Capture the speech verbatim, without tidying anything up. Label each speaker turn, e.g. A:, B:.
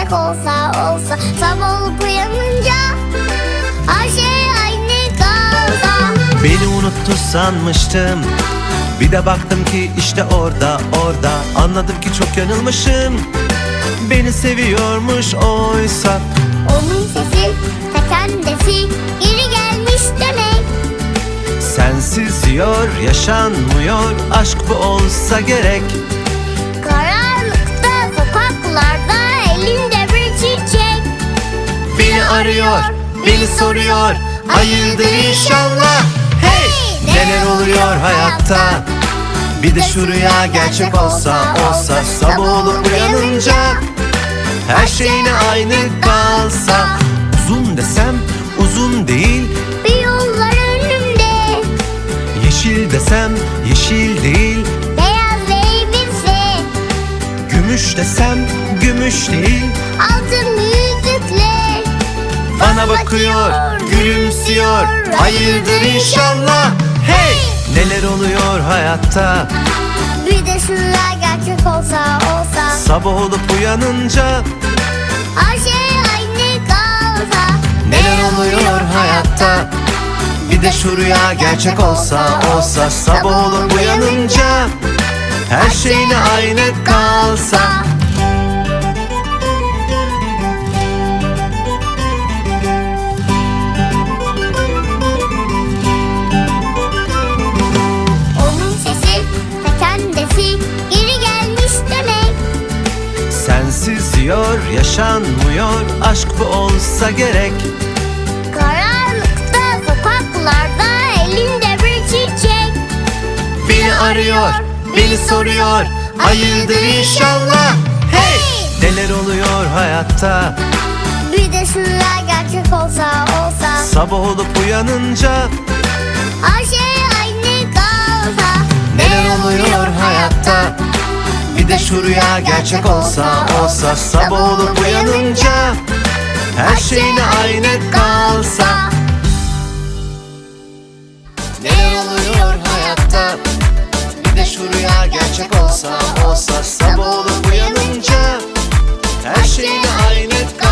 A: gerçek olsa olsa, sabah olup uyanınca her şey aynı kalsa.
B: Beni unuttu sanmıştım, bir de baktım ki işte orada orada. Anladım ki çok yanılmışım, beni seviyormuş oysa.
A: Onun sesi ta kendisi geri gelmiş demek.
B: Sensiz diyor yaşanmıyor, aşk bu olsa gerek.
A: Karanlıkta sokaklarda elinde bir çiçek.
B: Beni arıyor, beni soruyor, hayırdır inşallah. Hey! Neler oluyor hayatta? Bir de şu rüya gerçek olsa olsa, sabah olup uyanınca her şey yine aynı kalsa. Uzun desem uzun değil,
A: Bir yollar önümde,
B: yeşil desem yeşil değil,
A: beyaz elbise,
B: gümüş desem gümüş değil.
A: altın yüzükler
B: Bana bakıyor, gülümsüyor, hayırdır inşallah. Hey! Neler oluyor hayatta?
A: Bir de şu rüya gerçek olsa olsa,
B: Sabah olup uyanınca
A: her şey aynı kalsa.
B: neler oluyor hayatta? Bir de şu rüya gerçek olsa olsa, sabah olup uyanınca her şey yine aynı kalsa.
A: Onun sesi ta kendisi geri gelmiş demek.
B: Sensiz diyor yaşanmıyor, aşk bu olsa gerek.
A: Karanlıkta sokaklarda elinde bir çiçek.
B: Beni arıyor, beni soruyor, hayırdır inşallah. Hey! Neler oluyor hayatta?
A: Bir de şu rüya gerçek olsa olsa,
B: Sabah olup uyanınca
A: her şey aynı kalsa.
B: neler oluyor hayatta? Bir de şu rüya gerçek olsa olsa, sabah olup uyanınca her şey yine aynı kalsa. Neler oluyor hayatta? Bir de şu rüya gerçek olsa olsa, sabah olup uyanınca her şey yine aynı kalsa.